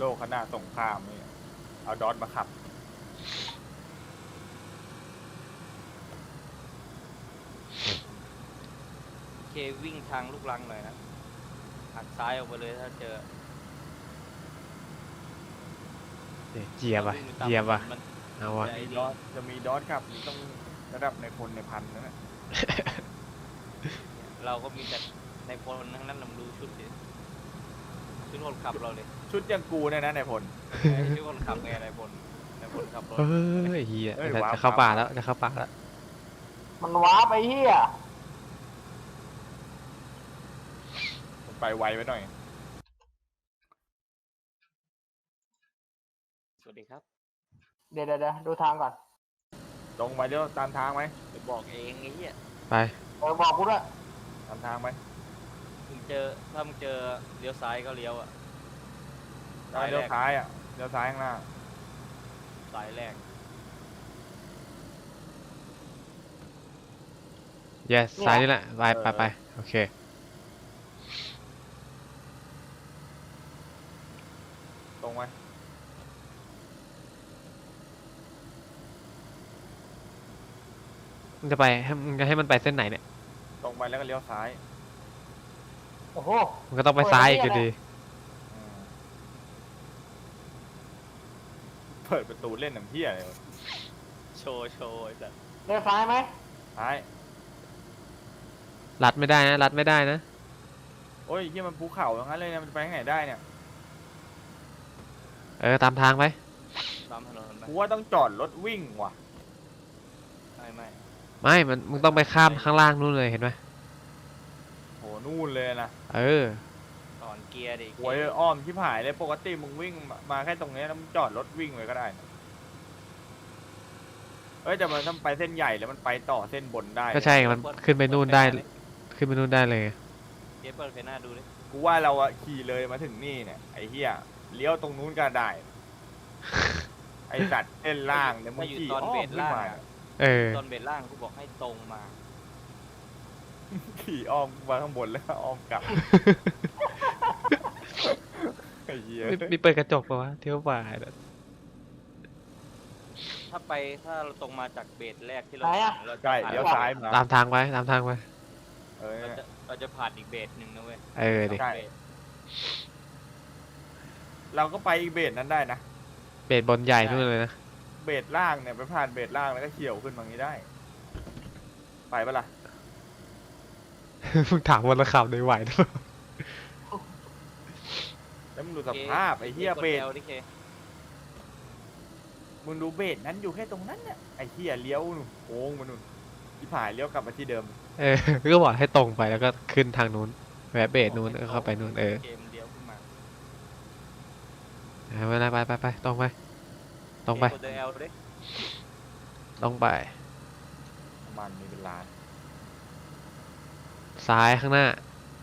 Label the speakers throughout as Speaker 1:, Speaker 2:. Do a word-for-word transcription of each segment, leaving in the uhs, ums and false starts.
Speaker 1: โลกขนาดสงครามเนี่ยเอาดอทมาขับ
Speaker 2: เควิ่งทางลูกรังหน่อยนะหักซ้ายออกไปเลยถ้าเจอ
Speaker 3: เจียบอ่ะเจียบอ่ะเอาวะ
Speaker 1: จะมีดอทจะมีดอทขับนี่ต้องระดับในพลในพันนั่นแหละ
Speaker 2: เราก็มีแต่ในพลทั้งนั้นลำดูชุดดิชุดคนขับเราเลย
Speaker 1: ชุดยังกูเนี่ยนะในพล
Speaker 2: ชุดคนขับไงในพลในพลขับรถ
Speaker 3: เฮ้ยเฮียจะเข้าป่าแล้วจะเข้าป่าแล้ว
Speaker 4: มันว้าไปเฮีย
Speaker 1: ไปไวไปหน่อย
Speaker 2: สวัสดีครับ
Speaker 4: เดี๋ยวเดี๋ยวดูทางก่อน
Speaker 1: ตรงไปเดี๋ยวตามทางไหม
Speaker 2: ไปบอกเองไอ้เหี้ย
Speaker 3: ไป
Speaker 4: เออบอกกูด้วย
Speaker 1: ตามทางไหม
Speaker 2: มึงเจอถ้ามึงเจอเลี้ยวซ้ายก็เลี้ยวอ่ะ
Speaker 1: ได้เลี้ยวซ้ายอ่ะเลี้ยวซ้ายข้างหน้า
Speaker 2: สายแรก
Speaker 3: yes ซ้ายนี่แหละไปไปไปโอเค
Speaker 1: ตรงไหม
Speaker 3: มึงจะไปให้มึงจะให้มันไปเส้นไหนเนี่ย
Speaker 1: ตรงไปแล้วก็เลี้ยวซ้าย
Speaker 4: โอ้โห
Speaker 3: มึงก็ต้องไปซ้ายอีกอยู่ดี
Speaker 1: อืมเปิดประตูเล่นหนังเพี้ยเลยวะ
Speaker 2: โชว์โชว์ไอ้สัส
Speaker 4: เลี้ยวซ้ายไหม
Speaker 1: ซ้าย
Speaker 3: รัดไม่ได้นะรัดไม่ได้นะ
Speaker 1: โอ้ยเหี่มันภูเขาอย่างนั้นเลยนะมันจะไปทางไหนได้เนี่ย
Speaker 3: เออตามทางไป
Speaker 2: ตามถนนไป
Speaker 1: กูว่าต้องจอดรถวิ่งว่ะ
Speaker 2: ไม่ไม่
Speaker 3: ไม่มันมึงต้องไปข้ามข้างล่างนู่นเลยเห็นไหม
Speaker 1: โหนู่นเลยนะ
Speaker 3: เออ
Speaker 2: ก่อนเกียร์ดิ
Speaker 1: หวยอ้อมชิบหายเลยปกติมึงวิ่งมามาแค่ตรงนี้แล้วมึงจอดรถวิ่งไว้ก็ได้นะเอ้ยแต่มันถ้าไปเส้นใหญ่แล้วมันไปต่อเส้นบนได้
Speaker 3: ก็ใช่มันขึ้นไปนู่นได้ขึ้นไปนู่นได้เลย
Speaker 2: เกียร์เปิดไฟหน้าดูดิ
Speaker 1: กูว่าเราอะขี่เลยมาถึงนี่เนี่ยไอ้เหี้ยเลี้ยวตรงนู้นก็ได้ ไอ้สัตว์เส้นล่างเนี่ยมึ
Speaker 2: ถ้าง อยู่
Speaker 1: ขี่
Speaker 2: ตอน
Speaker 1: อ้อ
Speaker 2: เบ
Speaker 1: ม
Speaker 2: ร
Speaker 1: ขึ้น
Speaker 2: ล่าง
Speaker 1: มา
Speaker 2: อะ
Speaker 3: เออ
Speaker 2: ตอนเบรล่างกูบอกให้ตรงมา
Speaker 1: ขี่อ้อมมาข้างบนแล้วอ้อมกลับ ไอ้เหี้ย
Speaker 3: มีมีเปิดกระจกปะวะเที่ยวป่าเนี่ย
Speaker 2: ถ้าไปถ้าเราตรงมาจากเบรแรกที่เราเราจะ
Speaker 1: ใช่
Speaker 2: ผ่าน
Speaker 1: เลี้ยวซ้ายมา
Speaker 3: ตามทางไปตามทางไป
Speaker 1: เออ
Speaker 2: เราจะเราจะผ่านอีกเบรหนึ่งนะเว้ย
Speaker 3: เออดิ
Speaker 1: ใช่ เราก็ไปอีกเบสนั้นได้นะ
Speaker 3: เบสบนใหญ่นู่นเลยนะ
Speaker 1: เบสล่างเนี่ยไปผ่านเบสล่างแล้วก็เขี่ยวขึ้นมางี้ได้ ไปปะล่ะ
Speaker 3: มึงถามวันละข่าวในไหวหรือเปล่า
Speaker 1: แล้วมึงดูสภาพไอ้เหี้ยเบส
Speaker 2: กด L ดิเค
Speaker 1: มึงดูเบสนั้นอยู่แค่ตรงนั้นเนี่ยไอ้เหี้ยเลี้ยวนู่นโค้งมานู่นที่ผ่านเลี้ยวกลับมาที่เดิม
Speaker 3: เออก็บอกให้ตรงไปแล้วก็ขึ้นทางนู้นแวะเบสนู้นแล้วเข้าไปนู้นเออ
Speaker 2: เกมเลี้ยวขึ้นมา
Speaker 3: เอาไปไปไปไปตรงไปตรงไป
Speaker 2: กด L ดิ
Speaker 3: ตรงไป
Speaker 1: ประมาณมีเป็นล้าน
Speaker 3: ซ้ายข้างหน้า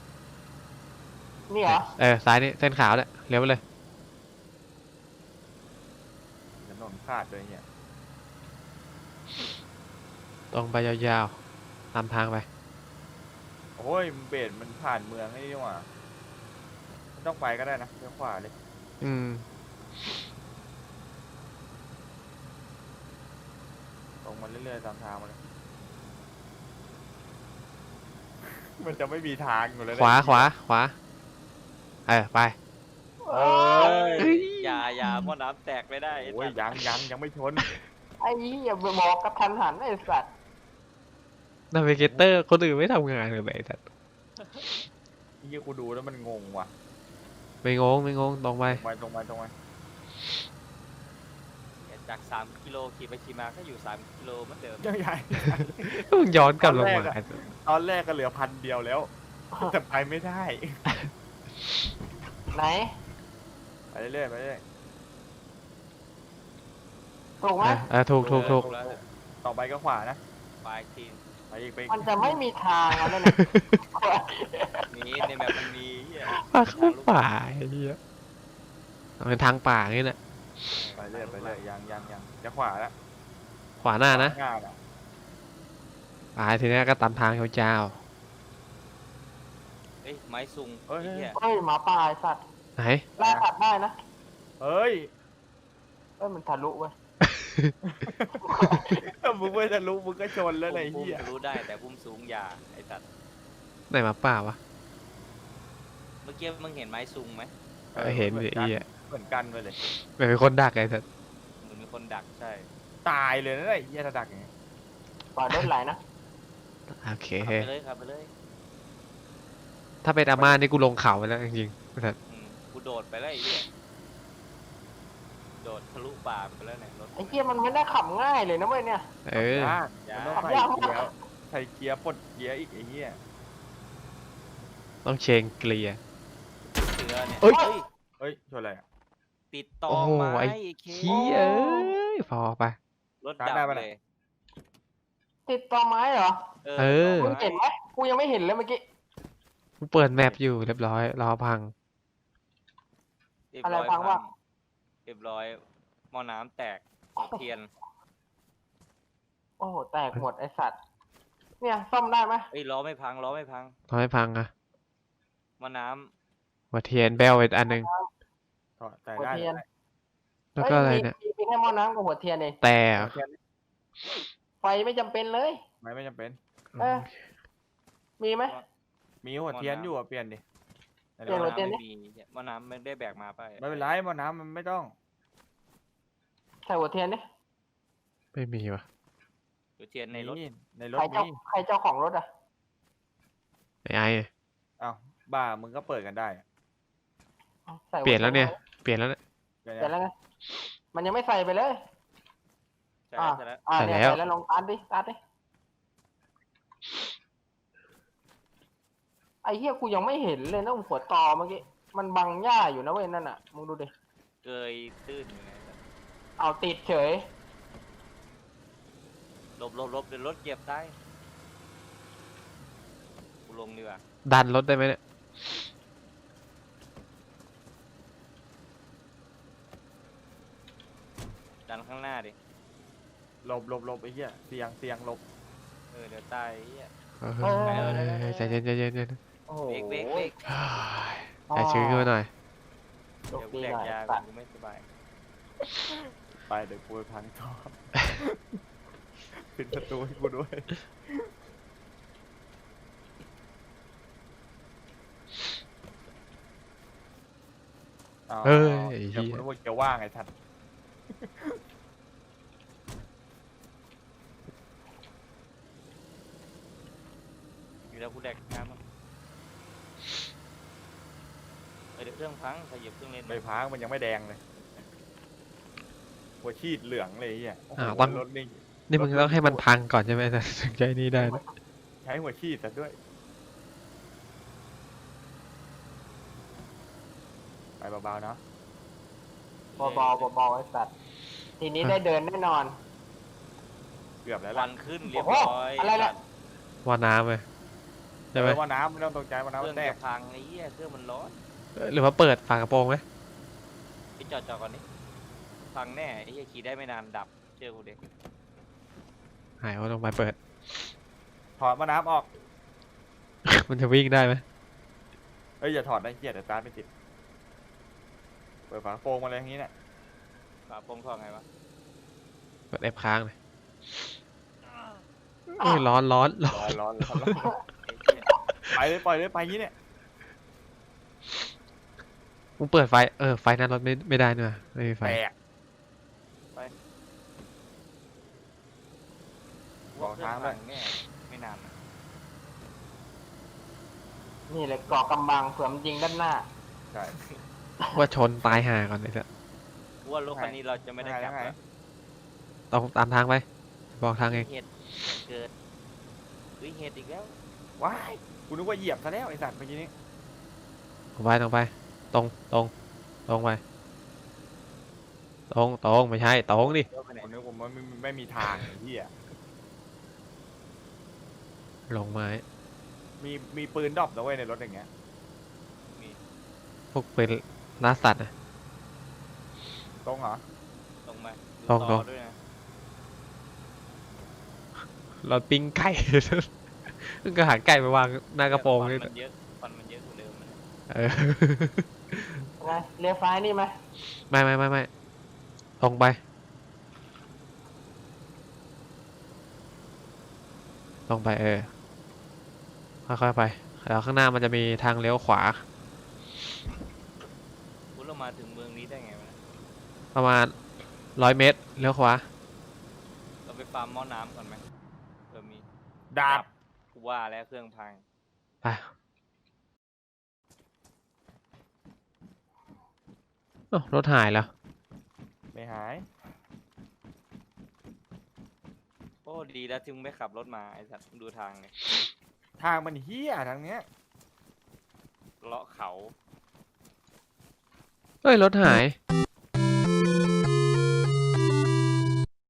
Speaker 4: นี่เหรอ
Speaker 3: เออซ้ายนี่เส้นขาวเนี่ยเลี้ยวไปเลย
Speaker 1: ถนนขาดเลยเนี่ย
Speaker 3: ตรงไปยาวๆตามทางไป
Speaker 1: โอ้ยเบสมันผ่านเมืองนี่ดีกว่าไม่ต้องไปก็ได้นะเลี้ยวขวาเลย
Speaker 3: อืม
Speaker 1: ตรงมาเรื่อยๆตามทางมาเลย มันจะไม่มีทางอยู่เลยนะ
Speaker 3: ขวาขวาขวาเออไป
Speaker 1: เอ้ย
Speaker 2: อย่าอย่าหม้อน้ำแตกไม่ได้ไอ้
Speaker 1: โอ้ย
Speaker 2: สัตว์
Speaker 1: ยังยังยังไม่ชน
Speaker 4: ไอ้เหี้ยบอกกระทันหันไอ้สัตว์
Speaker 3: นาวิเกเตอร์คนอื่นไม่ทำงานเลยไอ้สัตว์
Speaker 1: นี่กูดูแล้วมันงงว่ะ
Speaker 3: ไม่งงไม่งงตรงไป
Speaker 1: ตรงไปตรงไปตรงไป
Speaker 2: จากสามกิโลขี่ไปขี่มาก็อยู่สามกิโลเหมือนเดิม
Speaker 1: ยังใหญ่
Speaker 3: ก็มึงย้อนกลับลงมา
Speaker 1: ตอนแรกอะ ตอนแรกก็เหลือพันเดียวแล้ว แต่ไปไม่ได้
Speaker 4: ไหน
Speaker 1: ไปเรื่อยๆไปเรื่อย
Speaker 4: ถูกไหม
Speaker 3: เออเออถูกถูกถูก
Speaker 2: แล้ว
Speaker 1: ๆต่อไปก็ขวานะ
Speaker 2: ปลายทีม
Speaker 1: ไปอีกไปอีก
Speaker 4: มันจะไม่มีทางแล้วเนี่ย
Speaker 2: นี้ในแบบมันมีเหี้ย
Speaker 3: ป่าเข้าป่าไอ้เหี้ยเอาเป็นทางป่าอย่างนี้แหละ
Speaker 1: ไปเรื่อยไปเรื่อยยังยังยังจะขวาแล้ว
Speaker 3: ขวาหน้านะ
Speaker 1: งานอ่ะ
Speaker 3: ป่าทีนี้ก็ตามทางยาว
Speaker 2: เอ้ยไม้ซุง
Speaker 1: เอ้ย
Speaker 2: ไอ้เหี้ย
Speaker 4: เฮ้ยหมาป่าไอ้สัตว์
Speaker 3: ๆไหน
Speaker 4: ล่าสัตว์ได้นะ
Speaker 1: เฮ้ย
Speaker 4: เอ้ยมันทะลุเว้ย
Speaker 1: ถ้ามึงไม่จะรู้มึงก็ชนแล้วไอ้
Speaker 2: พุ่ม
Speaker 1: เหี้ย
Speaker 2: ทะลุได้แต่พุ่มสูงอย่าไอ้สัตว์
Speaker 3: ไหนมาป่าวะ
Speaker 2: เมื่อกี้มึงเห็นไม้ซุงไหม
Speaker 3: เออเห็น
Speaker 1: เหมื
Speaker 3: ดิ
Speaker 1: อน
Speaker 3: ไอ้
Speaker 1: กัน
Speaker 3: เหี้ย
Speaker 1: เหมือนกันไปเลย
Speaker 3: เป็นคนดักไอ้สัส
Speaker 2: เหมือนมีคนดักใช่
Speaker 1: ตายเลยนะไอ้เหี้ยถ้าดักอย่างเงี้ย
Speaker 4: ปล่อยรถไหลนะ
Speaker 3: โอเค
Speaker 2: ขับไปเลยขับไปเลย
Speaker 3: ถ้าเป็นอาม่านี่กูลงเขาไปแล้วจริงๆไอ้สัส
Speaker 2: อืมกูโดดไปแล้วไอ้เหี้ยโดดทะลุป่าไปแล้วเนี่ยรถ
Speaker 4: ไอ้เหี้ยมันไม่ได้ขับง่ายเลยนะเว้ยเนี่ย
Speaker 3: เออ
Speaker 1: ยากมันต้อง
Speaker 4: ขับ
Speaker 1: ใส่
Speaker 4: ยาก
Speaker 1: เกีย
Speaker 4: มาก
Speaker 1: ร์ใส่เกียร์ปลดเกียร์อีกไอ้เหี้ย
Speaker 3: ต้องเชงเกลียร์
Speaker 2: เสือเนี่ย
Speaker 3: เอ้ย
Speaker 2: เฮ้ย
Speaker 1: เฮ้ยชนอะไรอ่ะ
Speaker 2: ติดต่อ
Speaker 3: โอ้โห
Speaker 2: ไม้
Speaker 3: ไอ้
Speaker 2: ไอ้เค
Speaker 3: เหี้ยเอ้ยพอไป
Speaker 2: รถ
Speaker 1: ชาร์
Speaker 2: ดั
Speaker 1: จได้
Speaker 2: บ
Speaker 1: ปะ
Speaker 2: เล
Speaker 1: เนี่ย
Speaker 2: ย
Speaker 4: ติดต่อไม้เหรอ
Speaker 3: เออ
Speaker 4: มึงเห็นไหมกูยังไม่เห็นเลยเมื่อกี้
Speaker 3: กูเปิดแมปอยู่เรียบร้อยรอพัง
Speaker 2: เรียบ
Speaker 4: อะไร
Speaker 2: ร้อย
Speaker 4: พังวะ
Speaker 2: เรียบร้อยหม้อน้ำแตกหัวเทียน
Speaker 4: โอ้โหแตกหมดไอสัตว์เนี่ยซ่อมได้ไหม
Speaker 2: เอ้ยล้อไม่พังล้อไม่พัง
Speaker 3: ทำให้พังอะ
Speaker 2: หม้อน้
Speaker 3: หัวเทียนเบลอีกอันหนึ่ง
Speaker 1: ถอดใส่
Speaker 4: หัว
Speaker 1: ได้
Speaker 4: เทียน
Speaker 3: แล้วก็อะไรเนี่ย
Speaker 4: มีมีแค่หม้อน้ำกับหัวเทียนเอง
Speaker 3: แต่
Speaker 1: หัวเทียน
Speaker 4: ไฟไม่จำเป็นเลย
Speaker 1: ไม่ไม่จำเป็น
Speaker 4: เออ มีไหม
Speaker 1: มีหัวเทียนอยู่อ่ะเปลี่ยนดิ
Speaker 2: ำ
Speaker 4: เปลี่ยนหัวเทียนดิ
Speaker 2: ไม่มีหม้อน้ำไม่ได้แบกมาไป
Speaker 1: ไม่เป็นไรหมอน้ำมันไม่ต้อง
Speaker 4: ใส่หัวเทียนดิ
Speaker 3: ไม่มีวะ
Speaker 2: หัวเทียนในรถ
Speaker 1: มีในรถ
Speaker 4: ใครเจ้า
Speaker 1: มี
Speaker 4: ใครเจ้าของรถอ่ะ
Speaker 3: ไอ้ไอ้
Speaker 1: อ้าวบ้ามึงก็เปิดกันได้อะ
Speaker 4: ใส่หั
Speaker 3: เปลี่ยนแล้วเนี่ย เปลี่ยนแล้วเนี่ย
Speaker 1: เดี๋ยว
Speaker 4: เปลี่ยน
Speaker 1: นะ
Speaker 4: แล้วไงมันยังไม่ใส่ไปเลย
Speaker 2: ใช่
Speaker 4: อ่า
Speaker 2: แล้วใช่แล้ว
Speaker 4: อ่า
Speaker 3: ใส่
Speaker 4: เนี่ย
Speaker 3: แล้ว
Speaker 4: ใส่แล้วลองตัดดิตัดดิไอ้เหี้ยกูยังไม่เห็นเลยนะหัวตอเมื่อกี้มันบังหญ้าอยู่นะเว้ยนั่นอ่ะมึงดูดิ
Speaker 2: เกยตื้นอยู่ไง
Speaker 4: เอาติดเฉย
Speaker 2: หลบหลบหลบเดี๋ยวรถเหยียบได้กูลงดีกว่า
Speaker 3: ดันรถได้ไหมเนี่ย
Speaker 2: ดันข้างหน้าดิ
Speaker 1: หลบหลบหลบไอ้เหี้ยเสียงเสียงหลบ
Speaker 2: เออเดี๋ยวตายไอ้เหี้ย
Speaker 3: เออใจเย็นใจเย็นใจเย็น
Speaker 4: โอ้โห
Speaker 2: เบรกเบรกเบรก
Speaker 3: ใจชื้นขึ้นมาหน่อย
Speaker 4: โช
Speaker 2: เดี๋
Speaker 4: ค
Speaker 2: ยวกู
Speaker 4: ดี
Speaker 2: แด
Speaker 4: หน่อยสัตว์
Speaker 2: กยากูไม่สบาย
Speaker 1: ไปเดี๋ยวกูไปพังท่อ ปิดประตูให้กูด้วยา
Speaker 3: เอ้ยไอ้
Speaker 1: เดี๋ยว
Speaker 3: เหี้ย
Speaker 1: กูนึกว่าจะว่างไอ้ทัน
Speaker 2: อยู่แล้วกูแดกน้ำมั้งเออเดี๋ยวเครื่องพังขยับเครื่องเล่น
Speaker 1: ใบพังมันยังไม่แดงเลยหัวชีดเหลืองเลยไอ้เหี้ยโอ้โห
Speaker 3: อ่าต้อง
Speaker 1: รถนี่
Speaker 3: นี่มึงต้องให้มันพังก่อนใช่ไหมถึงใจนี่ได้นะ
Speaker 1: ใช้หัวชีดแต่ด้วยไปเบาๆเนาะ
Speaker 4: เบาๆเบาๆไอ้สัตว์ทีนี้ได้เดินแน่นอน
Speaker 1: เกือบแล้ว
Speaker 2: วั
Speaker 1: ล่ะ
Speaker 2: นขึ้นเรียบ
Speaker 4: โอ้
Speaker 2: ร้
Speaker 4: โห
Speaker 2: อย
Speaker 4: อะไรเนี่ย
Speaker 3: ว่าน้ำเลยใช่ไหม
Speaker 1: เออว่าน้ำไม่ต้องตกใจว่า
Speaker 2: เครื่อง
Speaker 1: น้ำมันแต
Speaker 2: จะ
Speaker 1: ก
Speaker 2: พังไอ้เหี้ยเครื่องมันร้อน
Speaker 3: หรือว่าเปิดฝากระโปรงไหม
Speaker 2: ไปจอดจอดก่อนนี่พังแน่ไอ้เหี้ยขี่ได้ไม่นานดับเชื่อกูเด็ก
Speaker 3: หายว่าลงไปเปิด
Speaker 1: ถอดว่าน้ำออก
Speaker 3: มันจะวิ่งได้ไหม
Speaker 1: เอ้ยอย่าถอดนะเกียดแต่ตาร์ทไม่ติดเปิดฝากระโปรงมาเลยอย่างนี้เนี่ย
Speaker 2: ฝาโปรงทองไงวะ
Speaker 3: เปิดแอปค้างเลยเอ้ยร้อนร้อนร้อน
Speaker 1: ร้อนร้อนร้อนร้อน
Speaker 2: ไอ้เหี้ย
Speaker 1: ไปเลยปล่อยเลยไปอย่างนี้เนี่ย
Speaker 3: มึงเปิดไฟเออไฟหน้ารถไม่ไม่ได้เนอะไม่มีไฟ
Speaker 1: แตก
Speaker 2: กูว่าเครื่องพังแน่ไม่นานนะ
Speaker 4: นี่เลยเกาะกำบังเผื่อมันยิงด้านหน้า
Speaker 1: ใช่
Speaker 3: ว่าชนตายห่าก่อนเลยสัส
Speaker 2: กูว่ารถคันนี้เราจะไม่ได้กลับ
Speaker 1: ยังไง
Speaker 2: แล้ว
Speaker 3: ต้องตามทางไปบอกทางเอง
Speaker 2: เห็ดเกิดเฮ้ยเห็ดอีกแล้ว
Speaker 1: ว้ายกูนึกว่าเหยียบซะแล้วไอ้สัตว์เมื่อกี้นี้
Speaker 3: ตรงไปตรงไป ตรงตรงตรงไปตรงตรงไม่ใช่ตรงดิ
Speaker 2: เดี๋ยวไปไหน
Speaker 1: กูนึกว่ามันไม่ไม่มีทางไอ้เหี้ย
Speaker 3: ลงไม้
Speaker 1: มีมีปืนดรอปนะเว้ยในรถอย่างเงี้ย
Speaker 3: พวกเป็นล่าสัตว์นะ
Speaker 1: ตรงเหรอ
Speaker 2: ตรงมาดู
Speaker 3: ตรง
Speaker 2: ต่อ
Speaker 3: ตรง
Speaker 2: ด้วยนะ
Speaker 3: เราปิ้งไก่ มึงก็หาไก่ไปวางหน้ากระโปรง
Speaker 2: ควัน
Speaker 3: นี่
Speaker 2: มันเยอะควันมันเยอะกว่าเดิมนะ
Speaker 3: เออ
Speaker 4: ไงเลี้ยวซ้ายนี่ไหม
Speaker 3: ไม่ไม่ไม่ไม่ตรงไปตรงไปเออค่อยๆไปแล้วข้างหน้ามันจะมีทางเลี้ยวขวา
Speaker 2: คุณเรามาถึงเมืองนี้ได้ไงวะเนี่ย
Speaker 3: ประมาณร้อยเมตรเลี้ยวขวา
Speaker 2: เราไปฟาร์มหม้อน้ำก่อนไหมเออมี
Speaker 1: ดาบ
Speaker 2: กูว่าแล้วเครื่องพัง
Speaker 3: ไปเอ้ารถหายแล้ว
Speaker 1: ไม่หาย
Speaker 2: โอ้ดีแล้วที่มึงไม่ขับรถมาไอ้สัตว์มึงดูทางเนี่ย
Speaker 1: ทางมันเฮี้ยทางเนี้ย
Speaker 2: เลาะเขา
Speaker 3: เอ้ยรถหาย
Speaker 2: เ